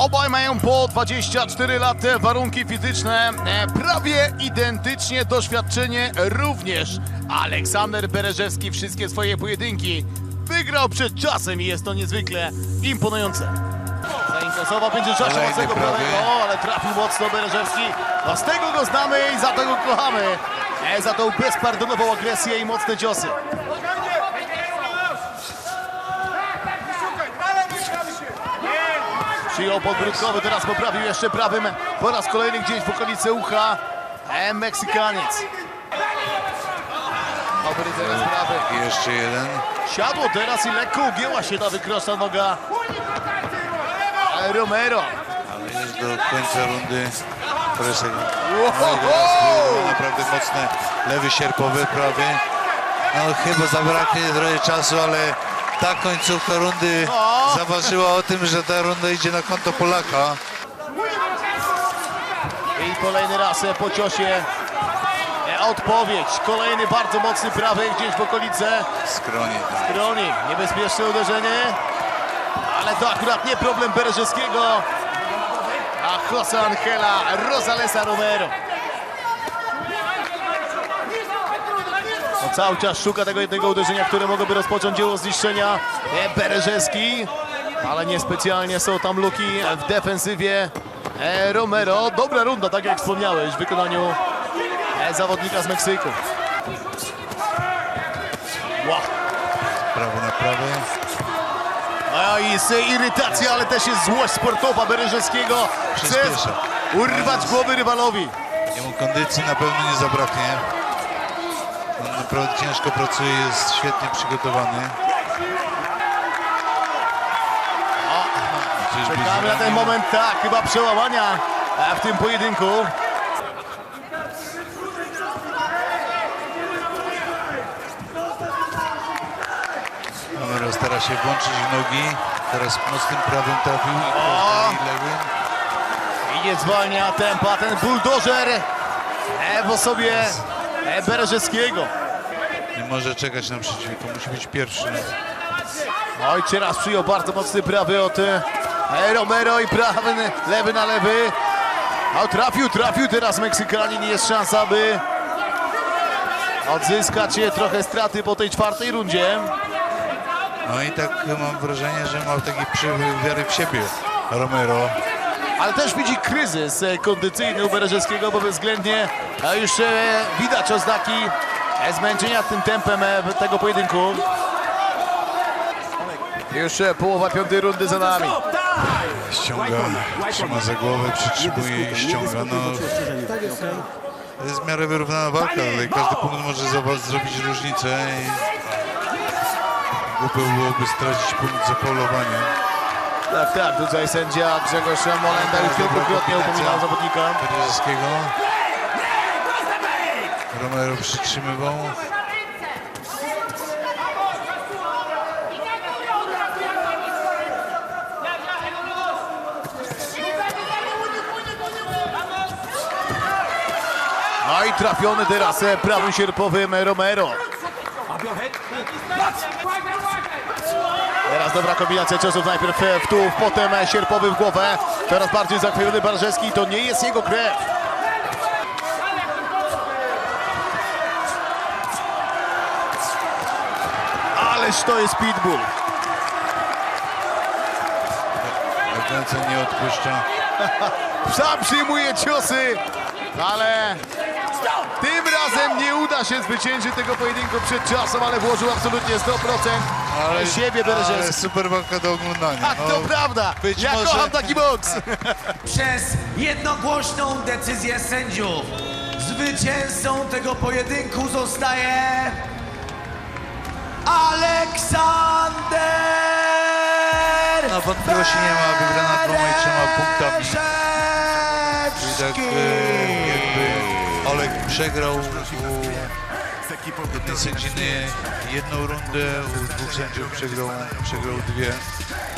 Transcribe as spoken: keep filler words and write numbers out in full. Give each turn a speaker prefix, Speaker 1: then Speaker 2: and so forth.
Speaker 1: Obaj mają po dwadzieścia cztery lata, warunki fizyczne e, prawie identycznie, doświadczenie również. Aleksander Bereżewski wszystkie swoje pojedynki wygrał przed czasem i jest to niezwykle imponujące. Zainteresował będzie czasu mocnego prawego, ale trafił mocno Bereżewski. No z tego go znamy i za to go kochamy. E, za tą bezpardonową agresję i mocne ciosy. Przyjął podbródkowy, teraz poprawił jeszcze prawym po raz kolejny gdzieś w okolicy ucha. E, Meksykaniec. Dobry teraz prawy.
Speaker 2: I jeszcze jeden.
Speaker 1: Siadło teraz i lekko ugięła się ta wykroczna noga Romero.
Speaker 2: Ale jest do końca rundy presek.
Speaker 1: Wow.
Speaker 2: No i teraz był naprawdę mocny lewy sierpowy, prawy. No chyba zabraknie trochę czasu, ale ta końcówka rundy
Speaker 1: O.
Speaker 2: zaważyła o tym, że ta runda idzie na konto Polaka.
Speaker 1: I kolejny raz po ciosie e, odpowiedź. Kolejny bardzo mocny prawy gdzieś w okolice
Speaker 2: Skronie. Tak.
Speaker 1: broni. Niebezpieczne uderzenie, ale to akurat nie problem Bereżewskiego, a José Angela Rosalesa Romero. No, cały czas szuka tego jednego uderzenia, które mogłoby rozpocząć dzieło zniszczenia e, Bereżewski, ale niespecjalnie są tam luki w defensywie e, Romero. Dobra runda, tak jak wspomniałeś, w wykonaniu e, zawodnika z Meksyku. Wow.
Speaker 2: Prawo na prawo.
Speaker 1: A jest irytacja, ale też jest złość sportowa Bereżewskiego. Chce
Speaker 2: Przyspiesza.
Speaker 1: urwać głowy rywalowi.
Speaker 2: Jemu kondycji na pewno nie zabraknie. On naprawdę ciężko pracuje, jest świetnie przygotowany. Czyżby
Speaker 1: Czekamy na ten
Speaker 2: zranił?
Speaker 1: moment, tak, chyba przełamania w tym pojedynku.
Speaker 2: Romero stara się włączyć w nogi. Teraz mocnym prawym trafił
Speaker 1: O!
Speaker 2: i lewym.
Speaker 1: I nie zwalnia tempa ten buldożer e, w osobie e, Bereżewskiego.
Speaker 2: Nie może czekać na przeciwnika, musi być pierwszy.
Speaker 1: Oj, teraz przyjął bardzo mocny prawy od e, Romero i prawy, lewy na lewy. A trafił, trafił teraz Meksykanin. Jest szansa, by odzyskać trochę straty po tej czwartej rundzie.
Speaker 2: No i tak mam wrażenie, że ma taki przywyk wiary w siebie Romero.
Speaker 1: Ale też widzi kryzys e, kondycyjny u Bereżewskiego, bo bezwzględnie e, już e, widać oznaki e, zmęczenia tym tempem e, tego pojedynku. Już e, połowa piątej rundy za nami.
Speaker 2: Ściąga, trzyma za głowę, przytrzymuje i ściąga. No, to jest w miarę wyrównana walka, ale każdy punkt może za- zrobić różnicę i głupio byłoby stracić punkt za faulowanie.
Speaker 1: Tak, tak, tutaj sędzia Grzegorz Molenda już wielokrotnie upominał zawodnika.
Speaker 2: Bereżewskiego. Romero przytrzymywał.
Speaker 1: No i trafiony teraz e, prawym sierpowym Romero. Teraz dobra kombinacja ciosów, najpierw e, w tułów, potem e, sierpowy w głowę. Teraz bardziej zakrwiony Bereżewski, to nie jest jego krew. Ależ to jest pitbull.
Speaker 2: Ręce nie odpuszcza.
Speaker 1: Sam przyjmuje ciosy, ale tym razem nie uda się zwyciężyć tego pojedynku przed czasem, ale włożył absolutnie sto procent
Speaker 2: Ale,
Speaker 1: siebie
Speaker 2: ale
Speaker 1: Bereżewski.
Speaker 2: super walka do oglądania.
Speaker 1: Tak, to
Speaker 2: No,
Speaker 1: prawda.
Speaker 2: być
Speaker 1: Ja
Speaker 2: może-
Speaker 1: kocham taki boks.
Speaker 3: Przez jednogłośną decyzję sędziów zwycięzcą tego pojedynku zostaje Aleksander
Speaker 2: No wątpliwości nie ma, wygrana dwoma i trzema punktami. Czyli tak e, jakby Olek przegrał u jednej sędziny jedną rundę, u dwóch sędziów przegrał, przegrał dwie.